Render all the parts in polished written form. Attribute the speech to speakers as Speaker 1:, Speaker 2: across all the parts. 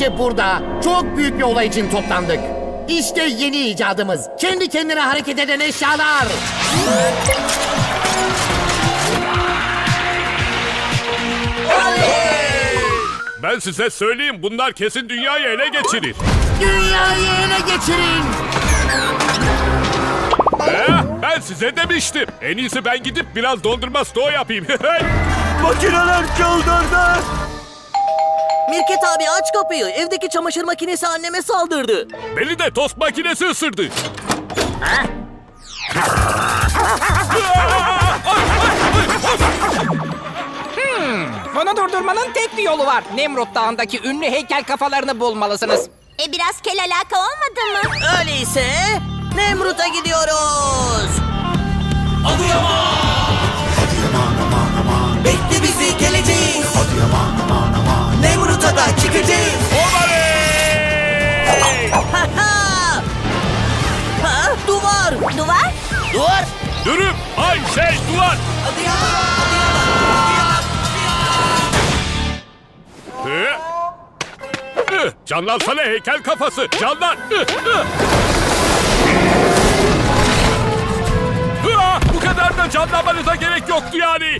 Speaker 1: Gece burada çok büyük bir olay için toplandık. İşte yeni icadımız. Kendi kendine hareket eden eşyalar.
Speaker 2: Ben size söyleyeyim, bunlar kesin dünyayı ele geçirir.
Speaker 1: Dünyayı ele geçirin.
Speaker 2: Ben size demiştim. En iyisi ben gidip biraz dondurma stoğu yapayım.
Speaker 3: Makineler çıldırdı.
Speaker 4: Mirket abi aç kapıyı. Evdeki çamaşır makinesi anneme saldırdı.
Speaker 2: Beni de tost makinesi ısırdı.
Speaker 5: Bunu durdurmanın tek bir yolu var. Nemrut Dağı'ndaki ünlü heykel kafalarını bulmalısınız.
Speaker 6: Biraz kel alaka olmadı mı?
Speaker 4: Öyleyse Nemrut'a gidiyoruz.
Speaker 3: Bekle bizi geleceğiz. Nemrut'a da çıkacağız.
Speaker 4: Ha ha! Ha, duvar.
Speaker 6: Duvar?
Speaker 4: Duvar.
Speaker 2: Dürüm, ay duvar. Canlansana heykel kafası, canlan. Bu kadar da canlanmanıza gerek yoktu yani.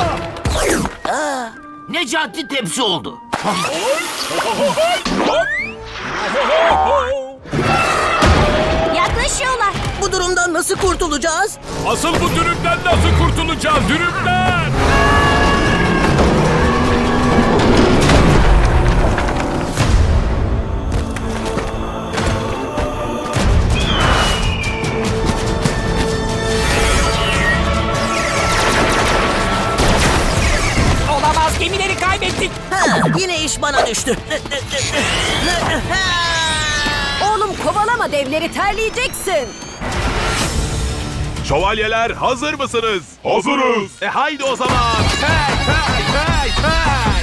Speaker 1: Necati tepsi oldu.
Speaker 6: Yaklaşıyorlar.
Speaker 4: Bu durumdan nasıl kurtulacağız?
Speaker 2: Asıl bu dürümden nasıl kurtulacağız, dürümden?
Speaker 5: Olamaz, gemileri kaybettik.
Speaker 4: Ha, yine iş bana düştü.
Speaker 6: Oğlum kovalama devleri, terleyeceksin.
Speaker 7: Şövalyeler hazır mısınız? Hazırız. Haydi o zaman. Hey hey hey hey.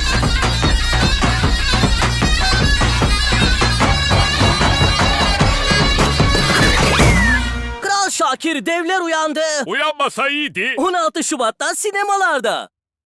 Speaker 4: Kral Şakir, devler uyandı.
Speaker 2: Uyanmasa iyiydi.
Speaker 4: 16 Şubat'ta sinemalarda.